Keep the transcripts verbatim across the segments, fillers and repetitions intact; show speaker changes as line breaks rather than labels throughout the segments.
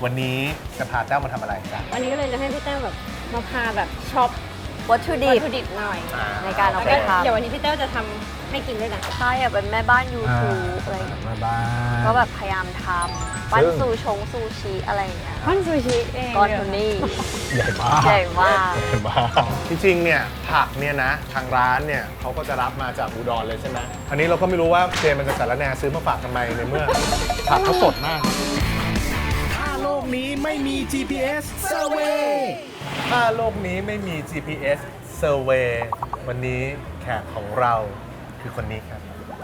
วันนี้จะพาแต้วมาทำอะไรกัน
วันนี้ก็เลยจะให้พี่แต้วแบบมาพาแบบช็อป
วัตถุดิ
วั
บ
ตถุดิบหน่อย
ในการเอาไปทำ
เดี๋ยววันนี้พี่แต้วจะทำให้กินด้วยนะ
ใช่อยากเป็นแม่บ้าน YouTube อะไรอย่างเงี้ย
แม่บ้าน
ก็แบบพยายามทำปั้นซูชงซูชิอะไรอย่างเงี้ย
ปั้นซูชิเอง
ก้อนโทนี่
ใหญ่มาก
ใหญ่มาก
ใหญ่มากจริงๆเนี่ยผักเนี่ยนะทางร้านเนี่ยเขาก็จะรับมาจากอุดรเลยใช่ไหมอันนี้เราก็ไม่รู้ว่าเจมันจะสารแหน่ซื้อมาฝากทำไมในเมื่อผักเขาสดมากถ้าโลกนี้ไม่มี จี พี เอส Survey ถ้าโลกนี้ไม่มี จี พี เอส Survey วันนี้แขกของเราคือคนนี้ครับ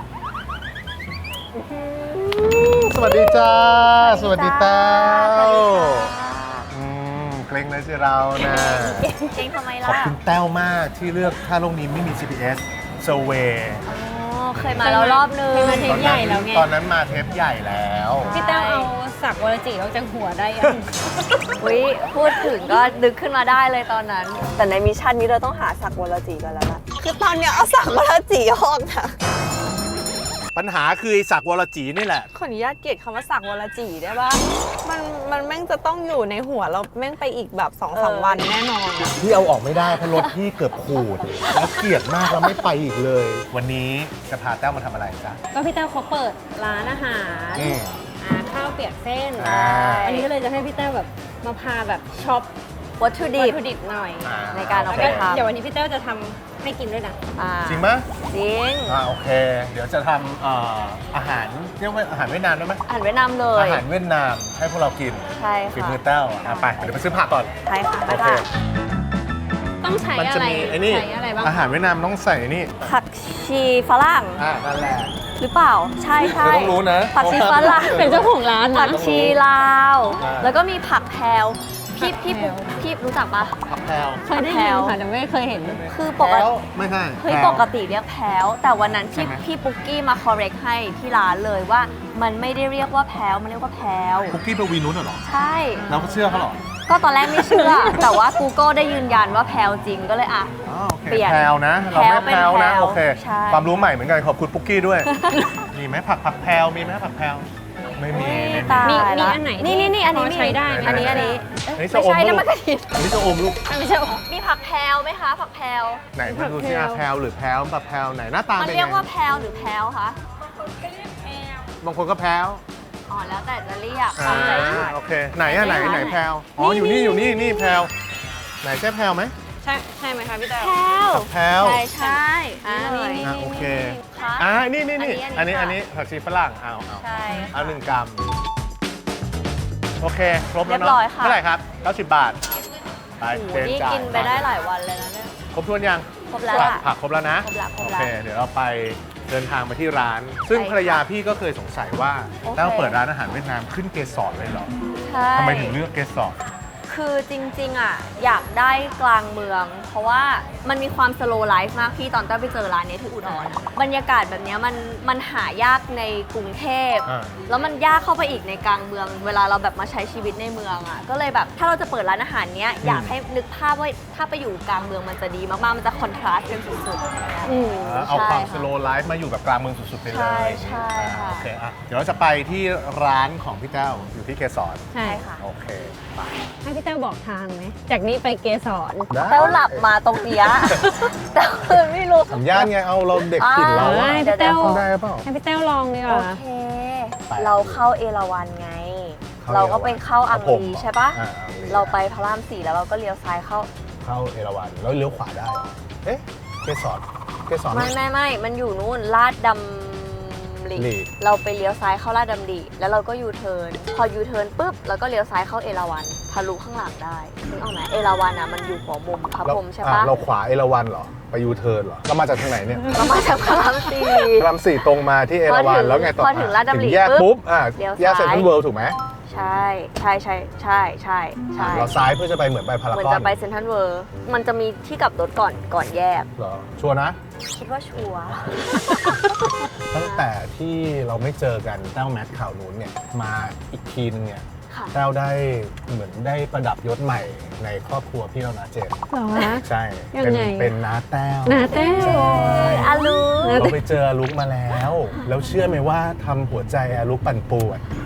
สวัสดีจ้าสวัสดีแต้วอืมเกรงเลยสิเรานะ
เก่งทำไม
ข
ล่ะ
อบคุณแต้วมากที่เลือกถ้าโลกนี้ไม่มี จี พี เอสSurvey
อ๋อเคยมาแล้วรอบนึง
เคยมาเทปใหญ่แล้วไง
ตอนนั้นมาเทปใหญ่แล้ว
พี่แต้วเอาสักวรจิออกจากหัวได้ยัง
อุ้ยพูดถึงก็นึกขึ้นมาได้เลยตอนนั้น แต่ในมิชชั่นนี้เราต้องหาสักวรจีกันแล้วล่ะคือตอนเนี้ยเอาสักวรจีออกนะ
ปัญหาคือไอ้สักวรจีนี่แหละ
ขออนุญาตเกลียดคำว่าสักวรจีได้ปะมันมันแม่งจะต้องอยู่ในหัวเราแม่งไปอีกแบบสองสามวันแน่นอนอะ
ที่เอาออกไม่ได้เพราะรถที่เกือบขูดแล้วเกลียดมากแล้วไม่ไปอีกเลย วันนี้จะพาแต้วมาทำอะไรจ๊ะ
ก็พี่แต้วเขาเปิดร้านอาหาร
อืม
อ่าข้าวเปียกเส้น
อ่า
วันนี้ก็เลยจะให้พี่แต้วแบบมาพาแบบช็อป
วัตถุดิ
วั
บ
ตถุดิบหน่อย
อ่า
ในการเอาไป
แล้วก็
ทำ
เดี๋ยววันนี้พี่แต้วจะทำให้กินด้วยนะ
อ่า
จริงไหม
จริง
อ่าโอเค เดี๋ยวจะทำเอ่ออาหารเรียกว่าอาหารเวียดนามได้ไหม
อาหารเวียดนามเลย
อาหารเวียดนามให้พวกเรากิน
ใช่
ฝี
ค่ะ
มือแต้วอ่ะไปเดี๋ยวไปซื้อผักก่อน
ใช่ค่ะไป
โอเค
ค่ะ
ต้องใช้
มัน
อะ
จะ
ไร
มีไอ้นี่
ใช้อะไรบ้าง
อาหารเวียดนามต้องใส่นี่
ผักชีฝรั่ง
อ่านั่นแหละ
หรือเปล่า ใช่ใช่
เธอต้องรู้นะ
ผักชีฝรั่ง
เป็นเจ้าของร้าน
ผั
นะ
กชีลาว
อ่า
แล้วก็มีผักแพรวพี่
ผัก
พี่
แพรว
พี่รู้จักปะ
ผักแพรว
เคยได้ยินค่ะแต่ไม่เคยเห็น
คือปก
แพร
ติ
วไม่ใช่
เฮ้ย
แพรว
ปกติเรียกแพรวแต่วันนั้นที่
ใช่ไหม
พี่ปุ๊กกี้มา correct ให้ที่ร้านเลยว่ามันไม่ได้เรียกว่าแพรวมันเรียกว่าแพรว
คุกกี้ปวีนุชเหรอ
ใช่
เราก็เชื่อเขาเหรอ
ก็ตอนแรกไม่เชื่อ แต่ว่า Google ได้ยืนยันว่าแพรวจริงก็เลยอ่ะ
อ๋อโอเค
เปลี่ยน
แพรวนะ เราไม่
แพ
แพ
ร
ร
ว
ว
เป็น
นะ
แพรว
โอเค
ใช่
ความรู้ใหม่เหมือนกันขอบคุณปุ๊กกี้ด้วย มีไหมผักผักแพรวมีไหมผักแพรวไม่มีไม่มี
ตาย
มี
ละ
อันไหน
นี่นี่นี่อันนี้
พอใช้ได้ไหม
อันนี้อันนี้
อันนี้
เอ้ย
จะอม
ไม่ใช่
ลู
นะ
ก
มันกระถิ่น
อันนี้จะอมลูก
ไม่ใช่
มีผักแพรวไหมคะผักแพรว
ไหนมาดูซิอ่ะแพรวหรือแพรวผักแพรวไหนหน้าตา
มัน
เป็น
เรียก
ไง
ว่าแพรวหรือแพรวคะ
บางคนก็แพรว
อ๋อแล้วแต่จะเรียก
อ่า
ตามใจชอบ
โอเคไหนอ่ะไหนไหนแพรวอ๋ออยู่นี่อยู่นี่นี่แพรวไหนใช่แพรวไหม
ใช่ใช่ไหมคะพี่แต้ว
แพรว
ผักแพรว
ใช่ใช่อ่า
นี่
นี่
อ่ะโอเค
ค่ะ
อ่านี่นี่นี่
อั
อัน
นนี้
นี้
อั
อั
น
น
นี้
นี้ผักชีฝรั่งเอาเอา
ใช่
เอาหนึ่งกรัมโอเคครบแล้ว
เรียบ
เนาะ
ร้อยค่ะ
เท่าไหร่ครับเก้าสิบบาทไป
โอ้โห
เจน
นี่
จ่าย
กินไปได้หลายวันเลยนะเนี่ย
ครบถ้วนยัง
ครบแล้ว
ผัก
ล่ะ
ผักครบแล้วนะ
ครบแล้วครบ
โอ
แล้ว
เค เดี๋ยวเราไปเดินทางมาที่ร้าน ซึ่ง
ใช่ค่ะ
ภรรยาพี่ก็เคยสงสัยว่า
โอเค
แต้วเปิดร้านอาหารเวียดนามขึ้นเกสรเลยเหรอ
ใช่
ทำไมถึงเลือกเกสร
คือจริงๆอ่ะอยากได้กลางเมือง เพราะว่ามันมีความสโลว์ไลฟ์มากพี่ตอนเต้าไปเจอร้านนี้ที่อุดรอะบรรยากาศแบบเนี้ยมันมันหายากในกรุงเทพ
อ่า
แล้วมันยากเข้าไปอีกในกลางเมือง เวลาเราแบบมาใช้ชีวิตในเมืองอ่ะก็เลยแบบถ้าเราจะเปิดร้านอาหารเนี้ยอยากให้นึกภาพว่าถ้าไปอยู่กลางเมืองมันจะดีมากๆมันจะคอนทราสต์กันสุดๆ
อืม
เอาความ
ใช่
สโลว์ไลฟ์มาอยู่แบบกลางเมืองสุดๆไปเลย
ใช่ใช่ค่ะ
อ่าโอเคอ่ะเดี๋ยวเราจะไปที่ร้านของพี่แต้วอยู่ที่เกสร
ใช่
ใช่ค่ะ
โอเคไป
ให้พี่แต้วบอกทางไหมจากนี้ไปเกสร
ได้
แต้วหลับมาตรงเนี้ย แต่คือไม่รู้
สัญญาณไงเอาเราเด็กถิ่นเรา
อ่า
อะ
พี่แต้ว
ได้เปล่า
ให้พี่แต้วลองดีก
โอ
ว่า
เค
ไป
เราเข้าเอราวัณไง
เข้า
เราก็ไปเข้าอัง
เข้าผม
รีใช่ปะ
อ่าอังรี
เราไปพระรามสี่แล้วเราก็เลี้ยวซ้ายเข้า
เข้าเอราวัณแล้วเลี้ยวขวาได้เหรอเอ๊ะเกสรเกสร
ไม่ไม่ไม่มันอยู่นู่นลาดดำริ
ริ
เราไปเลี้ยวซ้ายเข้าลาดดำริแล้วเราก็ยูเทิร์นพอยูเทิร์นปุ๊บเราก็เลี้ยวซ้ายเข้าเอราวัณทะลุข้างหลังได้นึกออกไหมเอราวัณอ่ะมันอยู่หัวมุมพระพรหมใช่
อ่
ปะ
เราขวาเอราวัณเหรอไปยูเทิร์นเหรอเรามาจากทางไหนเนี่ย
เรามาจากพระรามสี่
พระรามสี่ตรงมาที่เอราวัณแล้วไงต่อ
พอถึงลาดดำริ
ถึงแยก
ปุ๊
ปุ๊
บบ
อ่า
เลี้ยว
แยกเซ็นทรัล
ซ้าย
เวิลด์ถูกไหม
ใช่ใช่ใช่ใช่ใช่ใช่
เราซ้ายเพื่อจะไปเหมือนไปพารากอน
เหมือนจะไปเซ็นทรัลเวิลด์มันจะมีที่กลับรถก่อนก่อนแยก
เหรอชัวร์นะ
คิดว่าชัวร์
ตั้งแต่ที่เราไม่เจอกันแต้วแมทข่าวนู้นเนี่ยมาอีกทีนึงเนี่ย
ค่ะ
แต้วได้เหมือนได้ประดับยศใหม่ในครอบครัวพี่เรานะเจน
เหรอฮะ
ใช่
ยัง
เป็น
ไง
เป็นน้าแต้ว
นาแต้ว
อาลู
เราไปเจออาลุกมาแล้ว แล้วเชื่อไหมว่าทำหัวใจอาลุกปั่นป่วน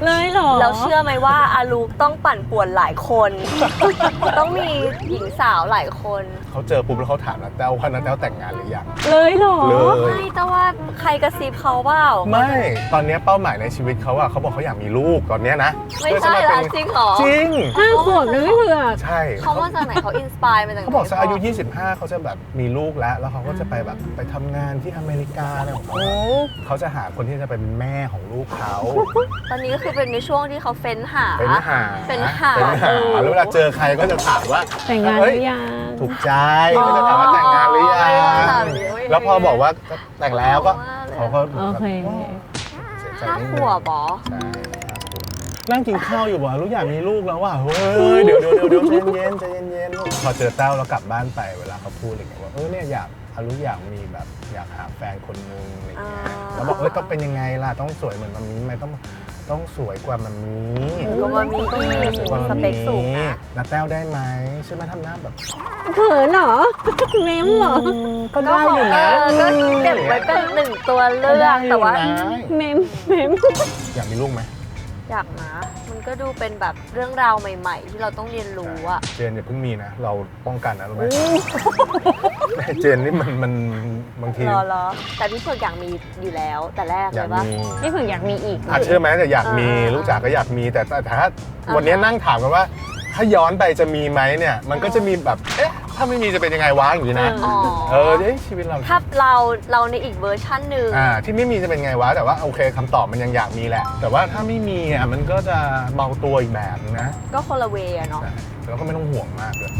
เลยเหรอ
แล้วเชื่อไหมว่าอาลูกต้องปั่นป่วนหลายคน ต้องมีหญิงสาวหลายคน
เขาเจอปุ๊บแล้วเขาถามนะแต้วว่านะแต้วแต่งงานหรือยัง
เลยเหรอ
เลย
ไม่แต่ว่าใครกระซิบเขาเปล่า
ไม่ตอนนี้เป้าหมายในชีวิตเขาอะเขาบอกเขาอยากมีลูกตอนเนี้ยนะ
ไม่
เพื่อ
ใช่
จะา
ละ
เป็น
จริงเหรอ
จริง
ห้าขวบนะไม่เผือก
ใช่
เขามาจากไหนเขาอินสปายมาจากไหน
เขาบอกสักอายุ ยี่สิบห้า เขาจะแบบมีลูกแล้ว แล้วเขาก็จะไปแบบไปทำงานที่อเมริกาอะไรของเขา
โอ้
เขาจะหาคนที่จะเป็นแม่ของลูกเขา
ตอนนี้ก็คือเป็นในช่วงที่เขาเฟ้นหา
เป็นหา
เป็นหา
เป็นหา
เออ
แล้วเวลาเจอใครก็จะถามว่า
แต่งงานห
เฮ้ย
รือยัง
ถูกใจก็จะถามว่าแต่งงานหรือยัง แล้วพอบอกว่าแต่งแล้วก็เขาก็
โอเค
เสียใจ
ห้า
นิด
ข
นึง
วบเหรอ
ใช่นั่งกินข้าวอยู่บอกลูกอยากมีลูกแล้วว่ะเฮ้ยเดี๋ยวเดี๋ยวเดี๋ยวเดี๋ยวใจเย็นใจเย็นๆพอเจอเต้าแล้วกลับบ้านไปเวลาเขาพูดอะไรเงี้ยว่าเออเนี่ยอยากอาลูกอยากมีแบบอยากหาแฟนคนนึงอะไรเงี้ย
อ่า
แล้วบอกเอ้ยต้องเป็นยังไงล่ะต้องสวยเหมือนมัมมี่ไหมต้องต้องสวยกว่ามัมมี่
ก็มามีอีก
สวยกว่า
ส
มัม
เปคสูง
มี่
นะ
แล้วแต้วได้ไหมใช่ไหมทำหน้าแบบ
เขินเหรอ เม้มเหรอ
ก็ได้อยู่นะ
เออก็เก็บไว้เป็นหนึ่งตัวเลื
ก็
อ
ได้
ก
อยู่
แต่ว่า
นะ
เม้มเม้ม
อยากมีลูกไหม
อยากนะมันก็ดูเป็นแบบเรื่องราวใหม่ ๆ ที่เราต้องเรียนรู้อะ
เจนอย่าเพิ่งมีนะ เราป้องกันนะรู้ไหมแม่เจนนี่มันมันบางที
รอรอแต่พี่เผือกอยากมีอยู่แล้วแต่แรก
อ
เลย
าก
ปะ
มี
นี่เผือกอยากมีอีก
อาจเชื่อไหมแต่อยากมี
เออ
ลูกจ๋าก็อยากมีแต่แต่ถ้า
อ่า
วันนี้นั่งถามกันว่า ถ้าย้อนไปจะมีไหมเนี่ย มันก็จะมีแบบเอ๊ะถ้าไม่มีจะเป็นยังไงวะอย่างนี้นะ
เอ
อ๋อ
เออเอ้ยชีวิตเรา
ถ้าเราเราในอีกเวอร์ชันหนึ่ง
อ่าที่ไม่มีจะเป็นไงวะแต่ว่าโอเคคำตอบมันยังอยากมีแหละ แต่ว่าถ้าไม่มีอ่ะมันก็จะเบาตัวอีกแบบนึงนะ
ก็คนละเวย์อะเนาะ
ใช่แล้วก็ไม่ต้องห่วงมากเลย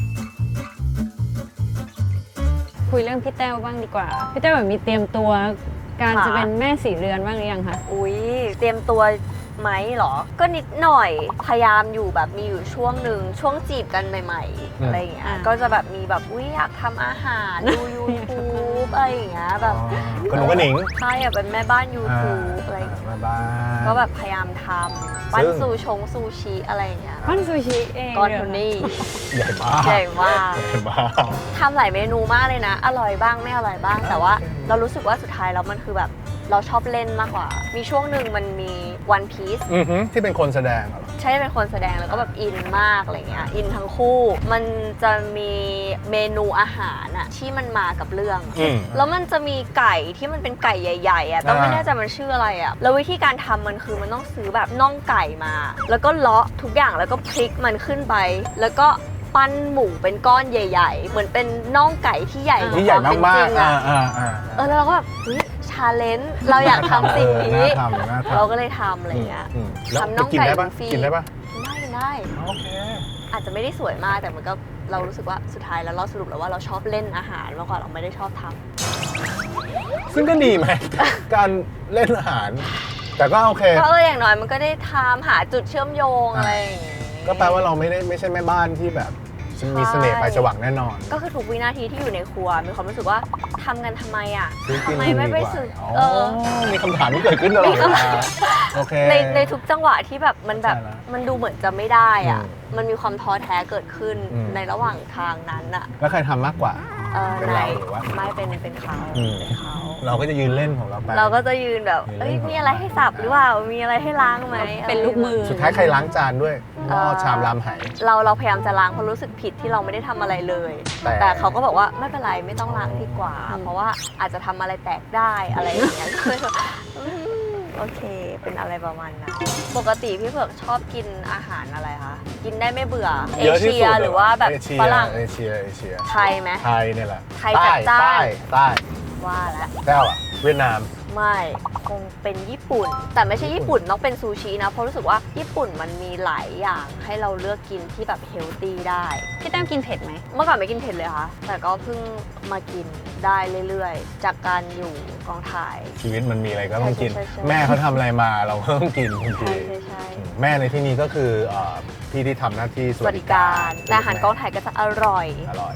คุยเรื่องพี่แต้วบ้างดีกว่า พี่แต้วแบบมีเตรียมตัวการจะเป็นแม่สีเรือนบ้างหรือยังคะ
อุ้ยเตรียมตัวไหมเหรอ ก็นิดหน่อยพยายามอยู่แบบมีอยู่ช่วงหนึ่งช่วงจีบกันใหม่ๆอะไรอย่างเงี้ย
อ่า
ก็จะแบบมีแบบอุ้ยอยากทำอาหารดู YouTube อะไรอย่างเงี้ยแบบ
ก็หนูก็หนิง
ใช่อยากเป็นแม่บ้าน YouTube อะไรอย่างเงี้ย
มาบ้าน
ก็แบบพยายามทำปั้น
ซึ่ง
ซูชงซูชิอะไรอย่างเงี้ย
ปั้นซูชิเอง
ก้อน
เหร
โทนี่
ใหญ่มาก
ใหญ่มาก
ใหญ่มาก
ทำหลายเมนูมากเลยนะ อร่อยบ้างไม่อร่อยบ้าง แต่ว่า
โอเค
เรารู้สึกว่าสุดท้ายแล้วมันคือแบบเราชอบเล่นมากกว่า มีช่วงหนึ่งมันมี One Piece
อือฮึที่เป็นคนแสดงเหรอ
ใช่เป็นคนแสดงแล้วก็แบบอินมากอะไรเงี้ยอินทั้งคู่ มันจะมีเมนูอาหารอะที่มันมากับเรื่องอะ
อืม
แล้วมันจะมีไก่ที่มันเป็นไก่ใหญ่ๆอะต้องไม่
อ่า
แน่ใจมันชื่ออะไรอะแล้ววิธีการทำมันคือมันต้องซื้อแบบน่องไก่มา แล้วก็เลาะทุกอย่างแล้วก็พลิกมันขึ้นไป แล้วก็ปั้นหมูเป็นก้อนใหญ่ ๆ เหมือนเป็นน่องไก่ที่ใหญ่กว่า
ที่ใหญ่
ความเป็น
มา
จ
ก
ริง
ๆอ่า
อะ
อ่าอ่า
เออแล้วเราก็แบบเฮ้ยชาเลนจ์เราอยากทำสิ่งนี้
น่าทำน่าทำ
เราก็เลยทำอะไรเงี้ย
อืมแล้ว
ทำน่อง
กินได้ปะ
ไก่ฟรี
กินได้ปะ
ได้กินได้
โอเค
อาจจะไม่ได้สวยมากแต่มันก็เรารู้สึกว่าสุดท้ายแล้วเราสรุปแล้วว่าเราชอบเล่นอาหารมากกว่าเราไม่ได้ชอบทำ
ซึ่งก็ดีไหม การเล่นอาหาร แต่ก็โอเค
ก็เอออย่างน้อยมันก็ได้ทำหาจุดเชื่อมโยงอะไรอย่างงี้
ก็แปลว่าเราไม่ได้ไม่ใช่แม่บ้านที่แบบมีเสน่ห์ไปสว่างแน่นอน
ก็คือทุกวินาทีที่อยู่ในครัวมีความรู้สึกว่าทำกันทำไมอ่ะ
ซื้อกิ
ทำ
น
ไม
ดี
ไม่ไป
กว่า
ซื้อ
อ๋อ
เออ
มีคำถามที่เกิดขึ้นตลอดเวลาโอเค
ในในทุกจังหวะที่แบบมันแบบ
เข้าใจละ
มันดูเหมือนจะไม่ได้อ่ะ
อืม
มันมีความท้อแท้เกิดขึ้น
อืม
ในระหว่างทางนั้นอ่ะ
แล้วใครทำมากกว่า
เออ
เป็น
ใน
เราหรือว่า
ไม่เป็นเป็นเขา
อืม
เป็นเขา
เราก็จะยืนเล่นของเราไป
เราก็จะยืนแบบ
ยืนเล่น
เอ้ย
ของ
มีอะไรให้สับหรือเปล่ามีอะไรให้ล้างไหม
เป็นลูกมือ
สุดท้ายใครล้างจานด้วยหม้อ
เอ่อ
ชามรามไห
เราเราพยายามจะล้างเพราะรู้สึกผิดที่เราไม่ได้ทำอะไรเลย
แต่
แต่เขาก็บอกว่าไม่เป็นไรไม่ต้องล้างดีกว่า เพราะว่าอาจจะทำอะไรแตกได้อะไรอย่างเงี้ย ก็เลยแบบอืมโอเค เป็นอะไรประมาณนั้นปกติพี่เผือกชอบกินอาหารอะไรคะกินได้ไม่เบื่อเอ
เยอะที่
เชี
สุ
ย
ด
หรือว่าแบบ
เอเชีย
ฝรั่ง
เอเชียเอเชีย
ไทยไหม
ไทยเนี่ยแหละ
ไทยจัดจ้าน
ใต้ใต้
ว่าแล้ว
แต้วอะเวียดนาม
ไม่คงเป็นญี่ปุ่น แต่ไม่ใช่ญี่ปุ่นต้องเป็นซูชินะเพราะรู้สึกว่าญี่ปุ่นมันมีหลายอย่างให้เราเลือกกินที่แบบเฮลตี้ได้
พี่แต้วกินเผ็ดไหม
เมื่อก่อนไม่กินเผ็ดเลยค่ะ แต่ก็เพิ่งมากินได้เรื่อยๆ จากการอยู่กองถ่าย
ชีวิตมันมีอะไรก็ต้องกิน
ใช่ใช่ใช่
แม่เขาทำอะไรมาเราก็ต้องกินทัน
ใช่
ที
ใช่ใช่
แม่ในที่นี้ก็คือเอ่อพี่ที่ทำหน้าที่ส
ส
วั
วั
ส
ส
ดิ
ดิ
กา
การ รแต่อาหารกองถ่ายก็จะอร่อย
อร่อย
เนาะ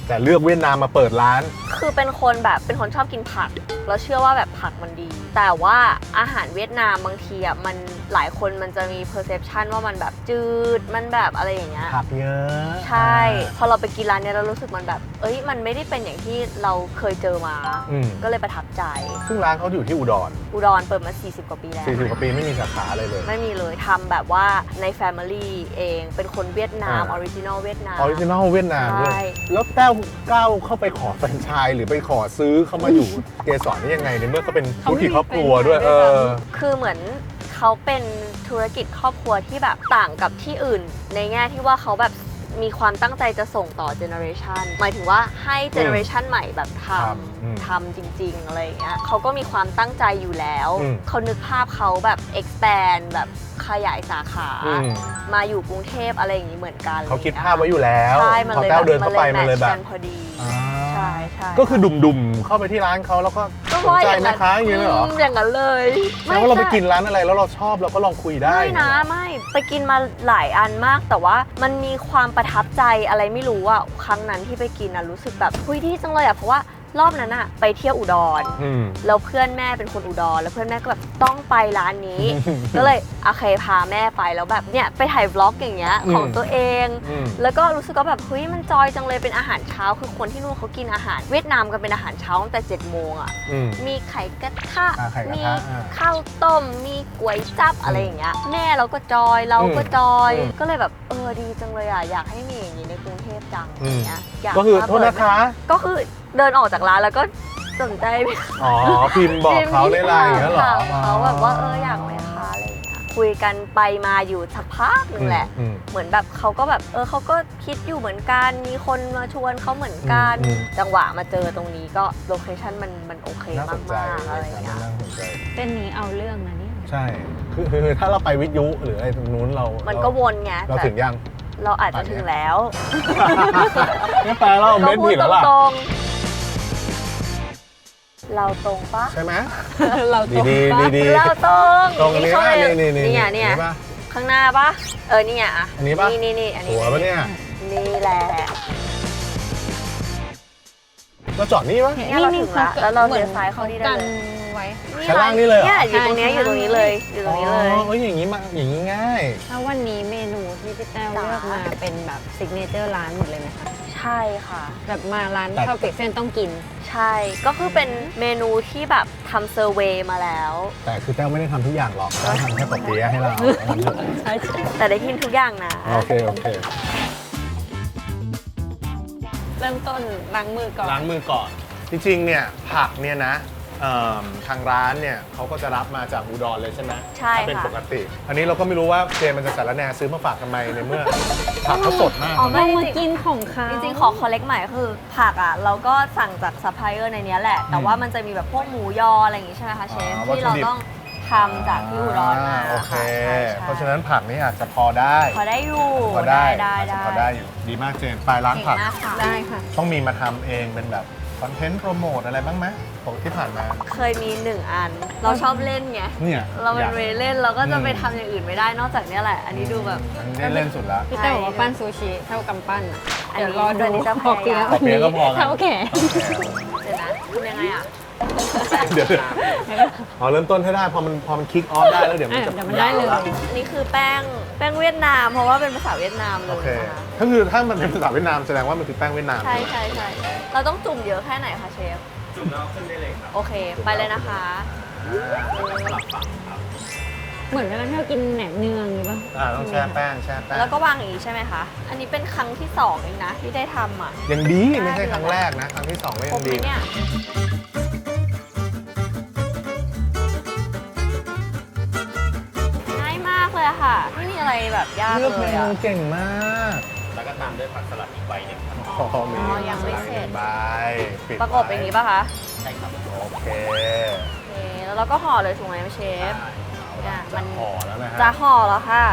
แต่เลือกเวียดนามมาเปิดร้าน
คือเป็นคนแบบเป็นคนชอบกินผักแล้วเชื่อว่าแบบผักมันดี แต่ว่าอาหารเวียดนามบางทีอ่ะมันหลายคนมันจะมี perception ว่ามันแบบจืดมันแบบอะไรอย่างเงี้ย
ผักเยอะ
ใช่พอเราไปกินร้านเนี้ยเรารู้สึกมันแบบเอ้ยมันไม่ได้เป็นอย่างที่เราเคยเจอมา
อืม
ก็เลยประทับใจ
ซึ่งร้านเขาอยู่ที่อุดร
อุดรเปิดมาสี่สิบกว่าปีแล้ว
สี่สิบกว่าปีไม่มีสาขาอะไรเลย
ไม่มีเลยทำแบบว่าใน Family เองเป็นคนเวียดนามอ
อ่า
อริจินอลเวียดนาม
ออริจินอลเวียดนามด้วย
ใช่
แล้วแต้วก้าวเข้าไปขอแฟรนไชส์หรือไปขอซื้อเข้ามาอยู่ เกสรนี่ยังไงในเมื่อเขาเป็นธุรกิจครอบครัวด้วยเออ
คือเหมือนเขาเป็นธุรกิจครอบครัวที่แบบต่างกับที่อื่น ในแง่ที่ว่าเขาแบบมีความตั้งใจจะส่งต่อเจเนอเรชันหมายถึงว่าให้เจเนอเรชันใหม่แบบท
ครับอืม
ำทำจริง ๆ อะไรอย่างเงี้ยเขาก็มีความตั้งใจอยู่แล้ว
อืม
เขานึกภาพเขาแบบ expand แบบขยายสาขา
อืม
มาอยู่กรุงเทพอะไรอย่างงี้เหมือนกัน
เขาคิดภาพไว้อยู่แล้ว
ใช่มัน
พอ
เลย
แต้ว
แบบ
เดินเข้าไปมันเลย
แม
แบ
ทช์
บ
กันพอดี
อ่า
ใช่ใช่
ก็คือดุ่มๆ เข้าไปที่ร้านเขาแล้วก็
ก็
สน
ว่า
ใจ
อย่าง
แม่
นั้น
ค้าอย่างนี้เลยเหรอ
มอย่างนั้นเลย
แสดงว่าเราไปกินร้านอะไรแล้วเราชอบเราก็ลองคุยได้
ไม่นะไม่ไปกินมาหลายอันมาก แต่ว่ามันมีความประทับใจอะไรไม่รู้อะครั้งนั้นที่ไปกินอะรู้สึกแบบคุยดีจังเลยอะเพราะว่ารอบนั้นอะไปเที่ยวอุดร
อืม
แล้วเพื่อนแม่เป็นคนอุดรแล้วเพื่อนแม่ก็แบบต้องไปร้านนี้ ก็เลยโอเคพาแม่ไปแล้วแบบเนี่ยไปถ่ายบล็อกอย่างเงี้ย
อืม
ของตัวเอง
อืม
แล้วก็รู้สึกว่าแบบเฮ้ยมันจอยจังเลยเป็นอาหารเช้าคือคนที่นู่นเขากินอาหารเวียดนามกันเป็นอาหารเช้าตั้งแต่เจ็ดโมงอะ
อืม
มีไข่กระทะ
อ่าไข่กระทะ
มี
อ่า
ข้าวต้ม มีก๋วยจั๊บอะไรอย่างเงี้ย แม่เราก็จอย เราก็จอย
อืม
ก็เลยแบบเออดีจังเลยอ่ะ อยากให้มีอย่างนี้ในกรุงเทพจัง
อื
อ
ม
ย่างเงี้ยอยาก
ก็คือ
มา
โทษนะคะ
ก็คือเดินออกจากร้านแล้วก็สนใจ
อ๋อ พิมพ์บอกเขาในไลน์อย่างเงี้ยเหรอ
ถามเขาแบบว่าเอออยากไหมคะอะไรอย่างเงี้ย คุยกันไปมาอยู่สักพักหนึ่งแหละ
อืม
เหมือนแบบเขาก็แบบเออเขาก็คิดอยู่เหมือนกัน มีคนมาชวนเขาเหมือนกัน
อืม
จังหวะมาเจอตรงนี้ก็โลเคชั่นมันมันโอเค
น่าส
มาน
ใจ
กๆอะไรอย่างเงี้ย
น่าสนใจ
เส้นนี้เอาเรื่องนะเนี่ย
ใช่ คือคือถ้าเราไปวิทยุหรืออะไรตรงนู้นเรา
มัน
เรา
ก็วนไง
เรา
แต่
ถึงยัง
เราอาจจะถึงแล้ว
ไม่แปลเราเม็ดผิดแล้วล่ะ
ตรงๆเราตรงปะ
ใช่ไหม
เราตรง
ดี
ปะ
ดีดี
เราตรง
ตรงอันนี้
เข้า
ป่ะ
ไป
นี่นี่นี่
นี่ไงเนี่ย
ป่ะ
ข้างหน้าปะเออนี่ไงอ่ะ
อันนี้ปะ
นี่นี่นี่อันนี้
หัวปะเนี่ย
นี่แหละ
เราจอดนี่ปะ
เนี่ยเราถึงละแล้วเราเลี้ยวซ้ายเข้านี่ได้
กัน
เลย
ไว้
ชั้นล่างนี่เลยเหรอ
เนี่ยอยู่ตรงเนี้ยอยู่ตรงนี้เลยอยู่ตรงนี้เลย
อ๋อเอ้ยอย่างนี้มาอย่างนี้ง่าย
ถ้าวันนี้เมนูที่พี่แต้วเลือกมาเป็นแบบซิกเนเจอร์ร้านหมดเลยไหมคะ
ใช่ค่ะ
แบบมาร้าน
แต่
ข้าวเปียกเส้นต้องกิน
ใช่ก็คือเป็นเมนูที่แบบทำเซอร์เวย์มาแล้ว
แต่คือแต้วไม่ได้ทำทุกอย่างหรอกแต้วทำแค่ปกติให้เรา
ใช่ใช่
แต่ได้กินทุกอย่างนะ
โอเคโอเค
เริ่มต้นล้างมือก่อน
ล้างมือก่อน จริงๆ เนี่ยผักเนี่ยนะเอิ่มทางร้านเนี่ยเขาก็จะรับมาจากอุดรเลยใช่ไหม
ใช่
ถ้าเป็น
ค่ะ
ปกติ อันนี้เราก็ไม่รู้ว่าเจมันจะสารแหนซื้อมาฝากทำไมในเมื่อ ผักเขาสดมาก
อ๋อ
นะ
ไม่
เรา
จ
มา
ริง
กินของเขา
จริงๆ ขอคอลเลกใหม่คือผักอ่ะ เราก็สั่งจากซัพพลายเออร์ในเนี้ยแหละ แต่ว่ามันจะมีแบบพวกหมูยออะไรอย่างงี้ใช่ไหมคะเชฟ
อ่าวัต
ที่
ถุ
เรา
ดิบ
ต้องทำจากที่อุดรมา
อ่โอเค
ค่ะใช่ใช่
เพราะฉะนั้นผักนี่อาจจะพอได้
พอได้อยู่
พอได้
ได้
อาจจะ
ได้
พอได้อยู่ดีมากเจนไปล้าง
เก่ง
ผัก
มากค่ะ
ได้ค่ะ
ต้องมีมาทำเองเป็นแบบคอนเทนต์โปรโมทอะไรบ้างไหมของที่ผ่านมา
เคยมีหนึ่งอัน เราชอบเล่นไง
เนี่ย
เราเป็น
อยก
เวย์เล่นเราก็จะไป
อืม
ทำอย่างอื่นไม่ได้นอกจากเนี้ยแหละ อันนี้ดูแบบ
อันนี้ได้เล่นสุดแล้ว
พี่แต้วบอกว่าปั้นซูชิเท่ากำปั้นอ่ะ
อันนี้
เดี๋ยวรอดู
อันนี้จะพ
พ
อ
อเปียก
พอเปี๊ยะก็พอกัน
เท่าแขน
เดี๋ยวนะทำยังไงอ่ะ
เดี๋ยวอ๋อเริ่มต้นให้ได้พอมันพอมันคิกออฟได้แล้วเดี๋ยวมันจะ
เดี๋ยวมันได้เลย
าว
อันนี้คือแป้งแป้งเวียดนาม เพราะว่าเป็นภาษาเวียดนามเล
โอยเค
นะคะ
ก็คือถ้ามันเป็นภาษาเวียดนามแสดงว่ามันคือแป้งเวียดนาม
ใช่ใช่ใช่เราต้องจุ่มเยอะแค่ไหนคะเชฟ จุ่มแล้วขึ้นได้เลยครับ โอเค ไปเลยนะคะ
เหมือนเวลาที่เรากินแหนมเนืองหรือเปล่า
อ่าต้องแช่แป้งแช่แป้ง
แล้วก็วางอย่างนี้ใช่ไหมคะ อันนี้เป็นครั้งที่สองเองนะที่ได้ทำอ่ะ
ยังดีไม่ใช่ครั้งแรกนะ ครั้งที่สองก็
คร
ยั
บ
ง
ไหม
ดี
เนี่ย ง่ายมากเลยอะค่ะ ไม่มีอะไรแบบยาก
เลือก
เล
เม
ย
นู
อะ
เก่งมาก
แล้วก็ตามด้วยผักสลัดอีกใบหนึ่งครับ
พอมี
อ๋อยังไม่เสร็จ
ใบปิด
ประกบอย่างนี้ป่ะคะ
ใช่ครับ
โอเค
โอเค แล้วเราก็ห่อเลยถูกไหมเชฟ เนี่ยมัน
ห่อแล้วนะฮะ
จะห่อแล้วค่ะ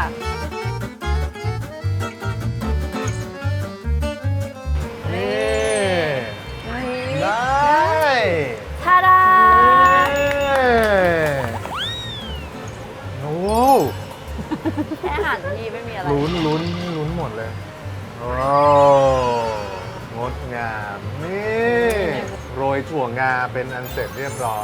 นี่ได้
ทาดา
โอ้
แค่อาหารที่ไม่มีอะไร
ลุ้นลุ้นลุ้นหมดเลยโอ้งงดงาม นี่โรยถั่วงาเป็นอันเสร็จเรียบร้อย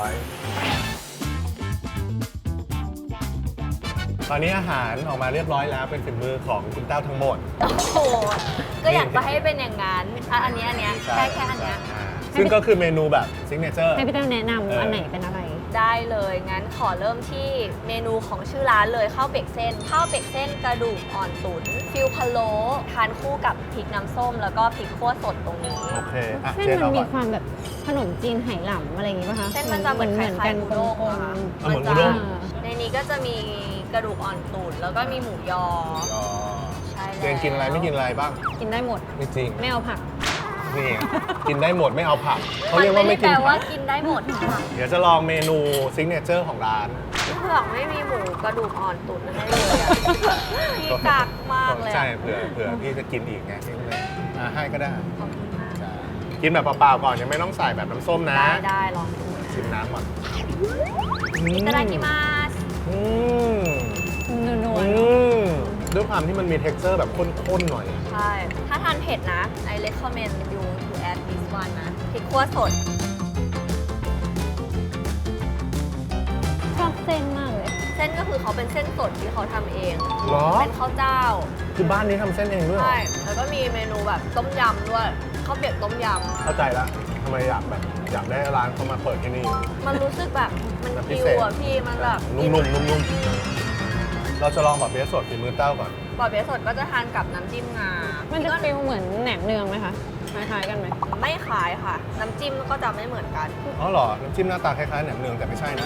ตอนนี้อาหารออกมาเรียบร้อยแล้วเป็นฝีมือของคุณเต้าทั้งหมด
โอ้โหก็อยากจะให้เป็นอย่างนั้นอ่ะอันเนี้ยอันเนี้ยแค่แค่อันเนี้ย
อ่าซึ่งก็คือเมนูแบบซิกเนเจอร์
ให้พี่แต้วแนะนำ
เอออั
อันไหนเป็นอะไร
ได้เลยงั้นขอเริ่มที่เมนูของชื่อร้านเลยข้าวเบกเส้นข้าวเบกเส้นกระดูกอ่อนตุ๋นฟิลพะโล้ทานคู่กับพริกน้ำส้ม แล้วก็พริกขั่วสดตรงนี้
โอเคอ่ะ
เส้น
เจ๊
มัน
เอา
มี
ก่อน
ความแบบขนมจีนไหหลำอะไรอย่างงี้ป่ะคะ
เส้นมันจะเหมือน
เหมือน
คล้ายๆ
กัน
อุ
กล
ด้ง
ม
อะค่ะ
เอาเหมือน
จะ
อุด้ง
ในนี้ก็จะมีกระดูกอ่อนตุ๋นแล้วก็มีหมูยอ
อ๋อ
ใช่แล้ว
เจนกินอะไรไม่กินอะไรบ้าง
ๆกินได้หมด
ไม่จริง
ไม่เอาผัก
นี่กินได้หมดไม่เอาผักเขาเรียกว่าไม่กิน
นไม่ได้แปล
ผั
ว่าก กินได้หมดค่ะ
เดี๋ยวจะลองเมนูซิกเนเจอร์ของร้าน
เผือกไม่มีหมูกระดูกอ่อนตุ๋นให้เลยอะพี่กักมากเลยอะ
ใช่เผื่อเผื่อพี่จะกินอีกไงพี่เลยอ่ะให้ก็ได้
ขอบคุณมาก
จ้ะกินแบบเปล่าๆก่อนยังไม่ต้องใส่แบบน้ำส้มนะ
ได้ได้ลองดู
ชิมน้ำก่อน
いただきます
อืม
นัว
อืมด้วยความที่มันมี texture แบบข้นๆหน่อย
ใช่ ถ้าทานเผ็ดนะ I recommend you to add this one นะพริกขั่วสด
ๆชอบเส้นมากเลย
เส้นก็คือเขาเป็นเส้นสดที่เขาทำเอง
เหรอ
เป็นข้าวเจ้า
คือบ้านนี้ทำเส้นเองด้วยเหรอ
ใช่ แล้วก็มีเมนูแบบต้มยำด้วยข้าวเปียกต้มย
เข้าใจละทำไมอยากแบบอยากได้ร้านเขามาเปิดที่นี่
ำ มันรู้สึกแบบมัน
แบบพิ
คิว
เศษ
อ่ะพี่ มันแบบ
นุ่มๆนุ่มๆเราจะลองแบบเบสสดฝีมือเต้าก่อน
ปอเปี๊ยะสดก็จะทานกับน้ำจิ้มงา
มันจะ
ก็
ฟีลเหมือนแหนมเนืองไหมคะ คล้ายๆกันไหม
ไม่ขายค่ะ น้ำจิ้มก็จะไม่เหมือนกัน
อ๋อเหรอ น้ำจิ้มหน้าตาคล้ายๆแหนมเนืองแต่ไม่ใช่นะ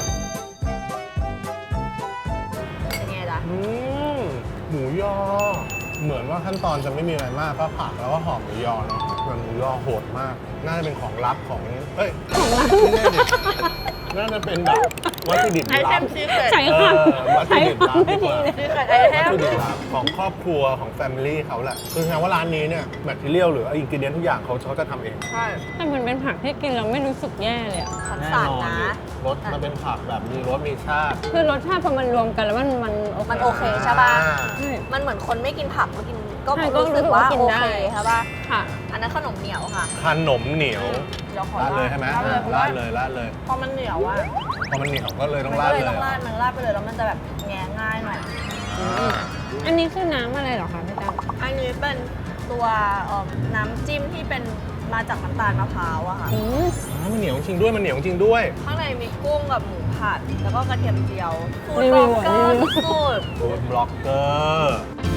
เป็นไงจ๊ะ
อืมหมูยอ เหมือนว่าขั้นตอนจะไม่มีอะไรมากก็ผักแล้วก็หอมหมูยอเนาะส่วนหมูยอโหดมาก น่าจะเป็นของลับของเฮ้ยของลับไม่ใช่ดิน่าจะเป็นแบบวัตถุดิบ
ไอเท
ลับ
มซีเฟรต
ใช่
เอ
ค่ะ
อวัตถุ
ใช้
ดิบ
ควา
ลั
ม
บ
ไม่
ดีก
ดี
ว่า
เลย
ซีเฟรตไอเท
วัต
ม
ถุดิบลับของครอบครัวของแฟมิลี่เขาแหละคือแสดงว่าร้านนี้เนี่ยแมทเทียลหรืออินกิเดียนทุกอย่างเขาเขาจะทำเอง
ใช่
แต่มันเป็นผักที่กินแล้วไม่รู้สึกแย่เลยอะ
ขันสานนะ
รสมันเป็นผักแบบมีรสมีชาติ
คือรสชาติพอมันรวมกันแล้วมันมันโอเค
มันโอเคใช่ป่ะ
อ่า
ใช่
มันเหมือนคนไม่กินผักมากินก็
ใช่ก็
รู้สึกว่า
รู้สึกว่ากิน
โอ
ได้
เคใช่ป่ะ
ค่ะ
อันนั้นขนมเหนียวค่ะ
ขนมเหนียว
เดี๋ยวขอ
ราดเลยใช่ไหม
ราดเลยเพราะ
รา
ว่า
ดเลยราดเลย
พอมันเหนียวอ่ะ
พอมันเหนียวก็เลยต้
มั
อง
น
รา
ก็
ด
เลย
เลย
ต้องราดมันราดไปเลยแล้วมันจะแบบแง่ง่ายหน่อย
อ่า
อันนี้คือน้ำอะไรเหรอคะพี่แต้ว
อันนี้เป็นตัวเอ่อน้ำจิ้มที่เป็นมาจากน้ำตาลมะพร้าวอะค่ะ
อืม
อ่ามันเหนียวจริงด้วยมันเหนียวจริงด้วย
ข้างในมีกุ้งกับหมูผัด แล้วก็กระเทียมเจียวฟูด
รี
บ
วิ
ล็อ
ว
ก
อะ
เกอ
รี
ร์
วิว
สุด
ฟู้ดบล็อกเกอร์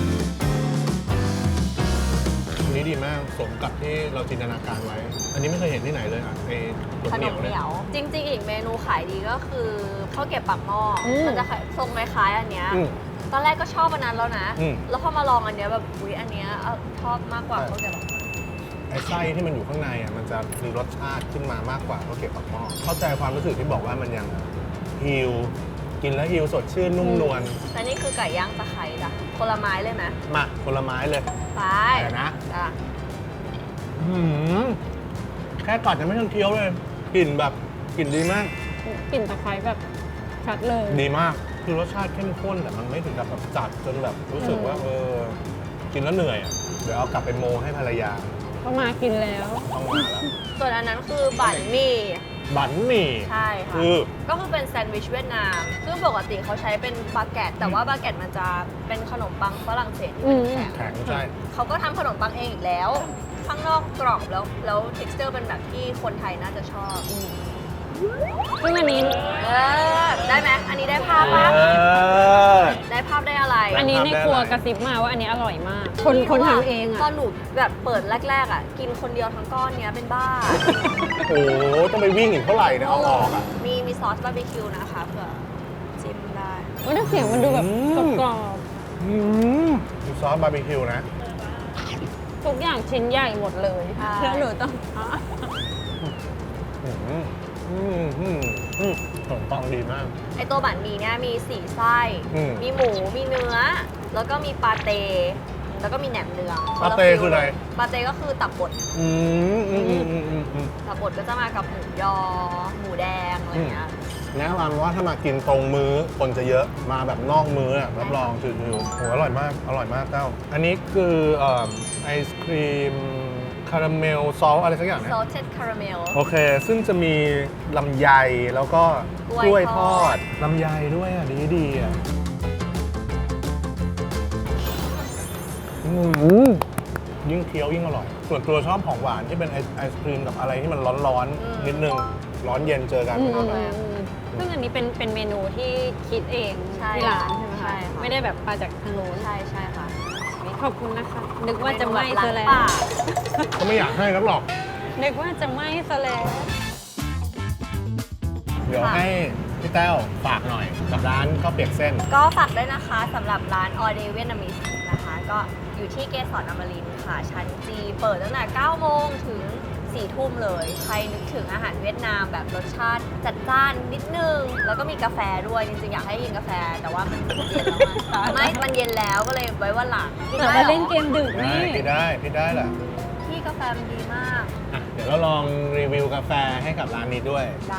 อันนี้ดีมากสมกับที่เราจินตนาการไว้ อันนี้ไม่เคยเห็นที่ไหนเลยอ่ะไอ้รส
ข
เห
น
นีย
ม
ว
เห
เนี่
นี
ย
ยว จริง ๆ อีกเมนูขายดีก็คือข้าวเกรี๊ยวปากหม้ออ
ม
มันจะทรงคล้ายๆอันเนี้ย
อืม
ตอนแรกก็ชอบอันนั้นแล้วนะ
อืม
แล้วพอมาลองอันเนี้ยแบบอุ๊ยอันเนี้ยเอาชอบมากกว่า
ใช่
ข้าวเกรี๊ยวปากหม้อ
ไอ้ไส้ที่มันอยู่ข้างในอ่ะมันจะมีรสชาติขึ้นมามากกว่าข้าวเกรี๊ยวปากหม้อเข้าใจความรู้สึกที่บอกว่ามันยังฮิลกินแล้วฮิลสดชื่นนุ่มนวล
และนี่คือไก่ย่างตะไคร้จ้ะคนละไม้เลยไหม
มาผลไม้เลย
ไป
เดี๋ยวนะ
จ้ะ
หืมแค่กัดยังไม่ทันเคี้ยวเลยกลิ่นแบบกลิ่นดีมาก
กลิ่นตะไคร้แบบชัดเลย
ดีมากคือรสชาติเข้มข้นแต่มันไม่ถึงกับแบบจัดจนแบบรู้สึกว่าเออกินแล้วเหนื่อยอ่ะเดี๋ยวเอากลับไปโมให้ภรรยา
ก็มากินแล้ว
ต้องมาแล้ว
ส่วนอันนั้นคือบั่นหมี่
บั๋นหมี่
ใช่ค่ะ
คือ
ก็คือเป็นแซนด์วิชเวียดนาม ซึ่งปกติเขาใช้เป็นบาเกตแต่ว่าบาเกตมันจะเป็นขนมปังฝรั่งเศสที่เป็นแข็ง
แข็งใช่
เขาก็ทำขนมปังเองอีกแล้ว ข้างนอกกรอบแล้ว แล้ว texture เป็นแบบที่คนไทยน่าจะชอบ
ซึ่งอันนี้
เออ ได้ไหม อันนี้ได้ภาพปะ
เออ
ได้ภาพได้อะไร
อันนี้ในครัวกระซิบมาว่าอันนี้อร่อยมาก คนคนทำเองอ่ะ
ตอนหนูแบบเปิดแรกๆอ่ะ กินคนเดียวทั้งก้อนเนี้ยเป็นบ้า
โอ้โหต้องไปวิ่งอีกเท่าไหร่เนี่ยเอาออกอ่ะ
มีมีซอสบาร์บีคิวนะคะเผื่อจิ้มได้
ว่าแต่เสียงมันดูแบบ
อื
ก
ม
รอบ
อืมมีซอสบาร์บีคิวนะ
ๆทุกอย่างชิ้นใหญ่หมดเลย
ใช่
แล้วหนูต้อง
อืมอืมอืมอืมขนมปังดีมาก
ไอตัวบั่นหมี่เนี่ยมีสี่ไส้
อืม
มีหมู มีเนื้อ แล้วก็มีปาเต้ แล้วก็มีแหนมเนือง
ปาเต้คืออะไร
ปาเต้ก็คือตับบด
อืมอืมอืมอืมอืมอืม
ตับบดก็จะมากับหมูยอ หมูแดงอะไรเงี้ย
แนะนำว่าถ้ามากินตรงมื้อคนจะเยอะมาแบบนอกมื้ออะรับรองชิวๆโหอร่อยมาก อร่อยมากเต้า อันนี้คือเอิ่มไอศครีมคคาราเมลซอสอะไรสักอย่างนะ
salted caramel
โอเค ซึ่งจะมีลำไยแล้วก็ก
กล้
ล้ว
วย ย
ท
ท
อ
อ
ด
ด
ลำไยด้วยอ่ะ ดีดีๆอ่ะอืมยิ่งเคี้ยวยิ่งอร่อย ส่วนตัวชอบของหวานที่เป็นไอไอศครีมกับอะไรที่มันร้อนๆ นิดนึง ร้อนเย็นเจอกัน
อืม
อร่อย
อืมซึ่งอันนี้เป็นเป็นเมนูที่คิดเอง
ใช่
ที่ร้านใช่ไหม
ใช่
คะ
ค่ะ
ไม่ได้แบบมาจากทางโน้น
ใช่ใช่ค่ะ
ขอบคุณนะคะ นึกว่าจะไหม้ซะแล้ว
เมนูบบล้างปาก
ก็ไม่อยากให้นักหรอก
นึกว่าจะไหม้ซะแล้ว
เดี๋ยวให้พี่แต้วฝากหน่อยกับร้านข้าวเปียกเส้น
ก็ฝากด้วยนะคะสำหรับร้าน All Day Vietnamese นะคะ ก็อยู่ที่เกสรอมรินทร์ค่ะ ชั้นจีเปิดตั้งแต่เก้าโมงถึงสี่ทุ่มเลย ใครนึกถึงอาหารเวียดนามแบบรสชาติจัดจ้านนิดนึง แล้วก็มีกาแฟด้วย จริงๆ อยากให้กินกาแฟ แต่ว่ามันเย็นแล้วอะไม่ มันเย็นแล้วก็เลยไว้วันหลังกิน
แต่
ได้
มา
หรอ
เล่นเกมดึก
ได้
นี่
พี่ได้พี่ได้แหละ
ที่กาแฟมันดีมาก
อ่ะเดี๋ยวเราลองรีวิวกาแฟให้กับร้านนี้ด้วย
ได้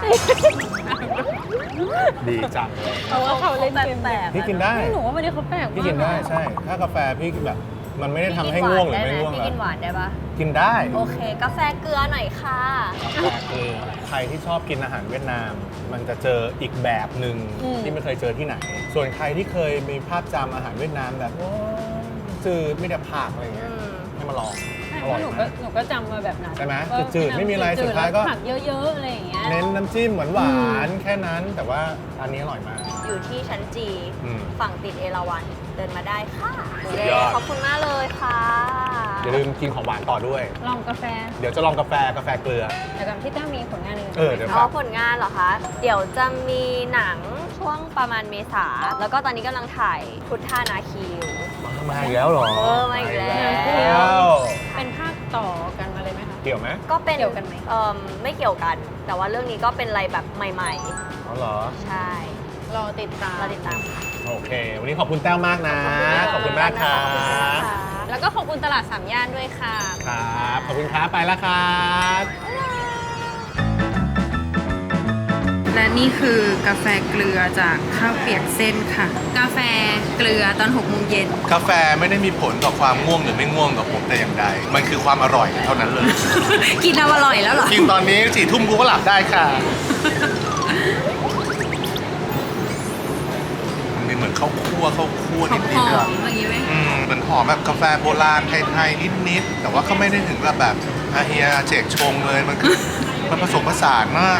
ดีจังเลย
เพราะว่าเขาเล่นเกม
แปลกๆ
พี่กินได้
หนูว่าไม่ได้เขาแปลก
พี่กินได้ใช่ ถ้ากาแฟพี่แบบมันไม่ได้ทำให้ง่วงหรือไม่ง่วง
พี่
แล้ว
กินหวานได้ปะ
กินได้
โอเค กาแฟเกลือหน่อยค่ะ
กาแฟคือใครที่ชอบกินอาหารเวียดนาม มันจะเจออีกแบบหนึ่งที่ไม่เคยเจอที่ไหน ส่วนใครที่เคยมีภาพจำอาหารเวียดนามแบบโอ้จืดไม่ได้ผักอะไรเงี้ย
อืม
ให้มาลอง
ใช่
อ
เพ
ร่อย
ราะหนู
มา
ก็
ก
หนูก็จำมาแบบนั้น
ใช่ไหม
ว่า
จืดๆไม่มีอะไร
จื
สุดท้ายก็
แล้วผักเยอะๆอะไรอย่างเงี้ย
เน้นน้ำจิ้มหวานๆแค่นั้น แต่ว่าอันนี้อร่อยมาก
อยู่ที่ชั้นจี
อืม
ฝั่งติดเอราวัณเดินมาได้ค่ะ
สุด
เย้
ยอด
ขอบคุณมากเลยค่ะ
อย่าลืมกินของหวานต่อด้วย
ลองกาแฟ
เดี๋ยวจะลองกาแฟกาแฟเกลือ
เดี๋ยวกันพี่แต้วมีผลงานอื่น
เออเดี๋ยว
เอา
ฝาก
ผลงานเหรอคะ เดี๋ยวจะมีหนังช่วงประมาณเมษา แล้วก็ตอนนี้กำลังถ่ายพุทธานาคีอยู่
มาอีกแล้วเหรอ
เออมาอีกแล้ว
มาอีกแล้ว
เป็นภาคต่อกันมาเลยไหมคะ
เกี่ยวไหม
ก็เป็น
เกี่ยวกันไหม
เอ่อไม่เกี่ยวกัน แต่ว่าเรื่องนี้ก็เป็นอะไรแบบใหม่
อ๋อเหรอ
ๆ ใช่
รอติดตาม
เราติดตามค่ะ
โอเค วันนี้ขอบคุณแต้วมากนะ ขอบคุณมากครั
ขอบคุณมาก
บ
ค่ะ
แล้วก็ขอบคุณตลาดสามย่านด้วยค่ะ
ครับ ขอบคุณครับ ไปแล้วครับ
และนี่คือกาแฟเกลือจากข้าวเปียกเส้นค่ะ กาแฟเกลือตอนหกโมงเย็น
กาแฟไม่ได้มีผลต่อความง่วงหรือไม่ง่วงกับผมแต่อย่างใด มันคือความอร่อยเท่านั้นเลย
กินเอาอร่อยแล้วเหรอ
กินตอนนี้สี่ทุ่มกูก็หลับได้ค่ะ มันมีเหมือนข้าวคั่วข้าวคั่ว
หอ
นิดๆ
ม
อะ
ๆอย่างนี้ไหม
อืมเหมือนหอมแบบกาแฟโบราณไทยๆนิดๆแต่ว่าก็ไม่ได้ถึงกับแบบอาเฮียเจกชงเลยมันคือ มันผสมผสานมาก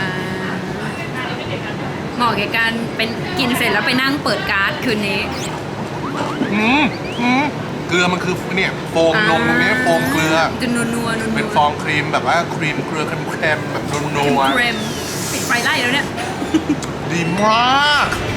เหมาะแก่การเป็นกินเสร็จแล้วไปนั่งเปิดการ์ดคืนนี้
อืมอืมเกลือมันคือเนี่ยโฟมนมตรงนี้โฟมเกลือ
จะนัวนัวนัว
เป็นฟองครีมแบบว่าครีมเกลือเค็มๆแบบนัว
เครมปิดไฟไล่แล้วเนี่ย
ๆดีมาก